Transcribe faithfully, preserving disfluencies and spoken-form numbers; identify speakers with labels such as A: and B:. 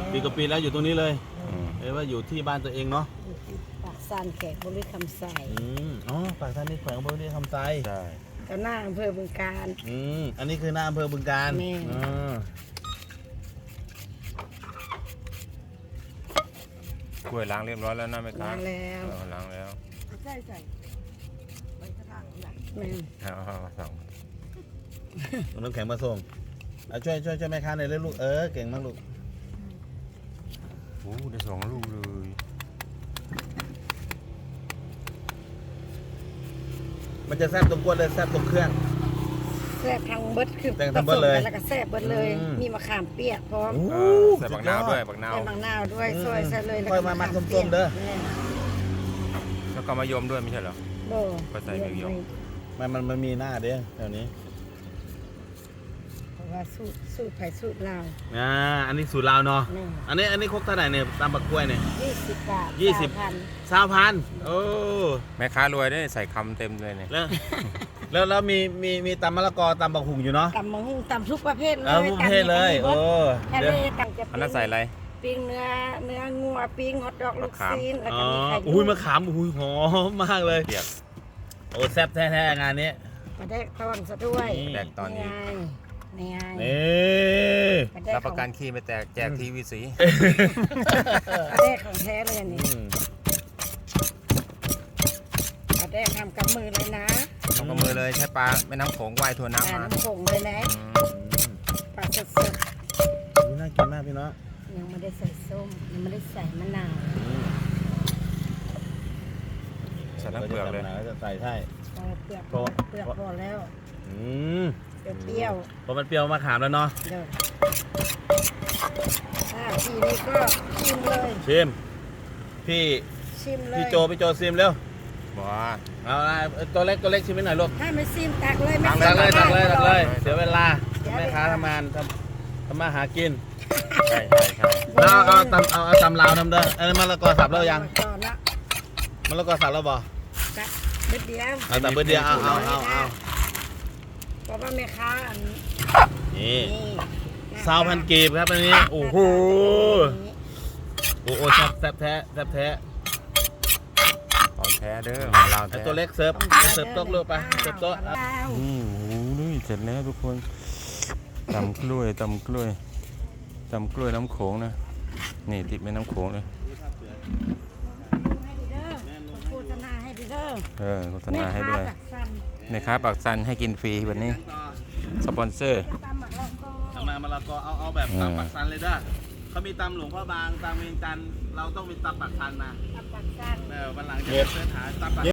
A: ปีกับปีแล้วอยู่ตรงนี้เลยเอ้ว่าอยู่ที่บ้านตัวเองเนาะ
B: ปากซานแขกบริคำใส
A: อืมอ๋อปากซานนี่แขวงบริคำไซใช่
B: ก็หน้าอำเภอบึงกาฬ
A: อืมอันนี้คือหน้าอำเภอบึงกาฬอ๋
C: อกล้วยล้างเรียบร้อยแล้วนะแม่ค้า
B: ล้างแล้ว
C: ล้างแล้ว
B: ใช่ใส่ใบกระถางนะแม่
C: เอาส่ง
A: น้ำแข็งมาส่งช่วยช่วยช่วยแม่ค้าหน่อยเลยลูกเออเก่งมากลูก
C: โอ้ได้สองลูกเลย
A: มันจะแซ่บตรงกล้วยเลยแซ่บตรงเครื่อง
B: แซ่บทางเบิดคือ
A: แซ่บทางเบิดเลย
B: แล้วก็แซ่บเบิดเลยมีมะขามเปียกพร้อม
C: ใส่บักนาวด้วยบักนาว
B: ใส่บักนาวด้วยซอยใส่เลย
A: ค่อยมามัดส้มๆเด้อ
C: แล้วก็มายมด้วยไม่ใช่เหรอก็ใส่มายม
A: มันมันมันมีหน้าเด้อแถวนี้
B: เพราะว่าสูตรสูตรไผ่สูตรลาว
A: อ่าอันนี้สูตรลาวเนาะอันนี้อันนี้ครกเท่าไหร่เนี่ยตามบักกล้วยเนี่ย
B: ยี่สิบบาท
A: ยี่สิบ
B: พัน
A: สามพันโอ้
C: แม่ค้ารวยได้ใส่คำเต็มเลยเนี่ย
A: แล้วแล้วแล้วมีมีมีตำมะละกอตำบักหุ่งอยู่เนาะ
B: ตำมะฮุ่งตำทุกประเภทเลย
A: ทุกประเภทเลยโอ้
B: เดี๋ยว
C: อันนั้นใส่อะไร
B: ปิ้งเนื้อเนื้องัวปิ้งฮอทดอกลูกซีนแล้วก็มีไข่
A: อุ้ยมะขามอุ้ยหอมมากเลยโอ้แซ่บแท้ๆงานนี้
B: มาได้ตอนซะด้วย
C: แดกตอนนี้
B: นี่ไง
C: นี่รับประกันขี้ไม่แตกแจกทีวีสี
B: แดกของแท้เลยนี่แดกทำกับมือเลยนะ
C: ทำกับมือเลยใช้ปลาแม่น้ำโขงว่ายทัวน้ำมา
B: น้ำโขงเลยนะปลาสด
A: ๆนี่น่ากินมากพี่น้อง
B: ยังไม่ได้ใส่ส้มยังไม่ได้ใส่มะนาว
C: ใส่น้ำเปลือกเลย
A: จะใส่ใช่
B: เปลือกเปลือกพอแล้ว
A: อืม
B: เปรี้ยว
A: พอมันเปรี้ยวมะขามแล้วเนาะ
B: เดี๋ยวทีนี้ก็ชิมเลย
A: ชิมพี่
B: ชิมเลย
A: พี่โจพี่โจชิมเร็ว
C: บ้า
A: เอาตัวเล็กตัวเล็กชิมไม่หน่อยลูก
B: ถ้าไม่ชิมตักเลย
A: ตักเลยตักเลยตักเลยเสียเวลาแม่ค้าทำงานทำทำมาหากิน
C: ใช่ใช่ใช่
A: แล้วเอาตำเอาเอาตำลาวทำเด้ออันนี้มะละกอสับแล้วยังมะละกอสับแล้วบ่
B: เบ็ดเดียว
A: เอาแต่เบ็ดเดียวเอาเอาเอาเอา
B: เพราะว่าแม่ค้าอัน
A: นี่ซาวพันกีบครับอันนี้โอ้โหโอ้โหแซ่บแซ่บแท้แซ่บแท้
C: ของแท้เด้อของเราแท้
A: ตัวเล็กเสิร์ฟเสิร์ฟโต๊ะลูกไปเสิร์ฟโต๊ะ
C: นี่โอ้โหเสร็จแล้วทุกคนตำกล้วยตำกล้วยตำกล้วยน้ำโขงนะนี่ติดแม่น้ำโขงเลย
B: โฆษณาให้ดีเด้อ
C: เออโฆษณาให้ด้วยในค้าปักซันให้กินฟรีวันนี้สปอนเซอร์
A: ทำมามะละกอเอาเอาแบบตำปักซันเลยเด้อเขามีตำหลวงพ่อบางตำเวียงจันทร์เราต้องมีตำปักซันนะ
B: ตำปักซัน
A: เออวันหลังจะเสิร์ชหาตำปัก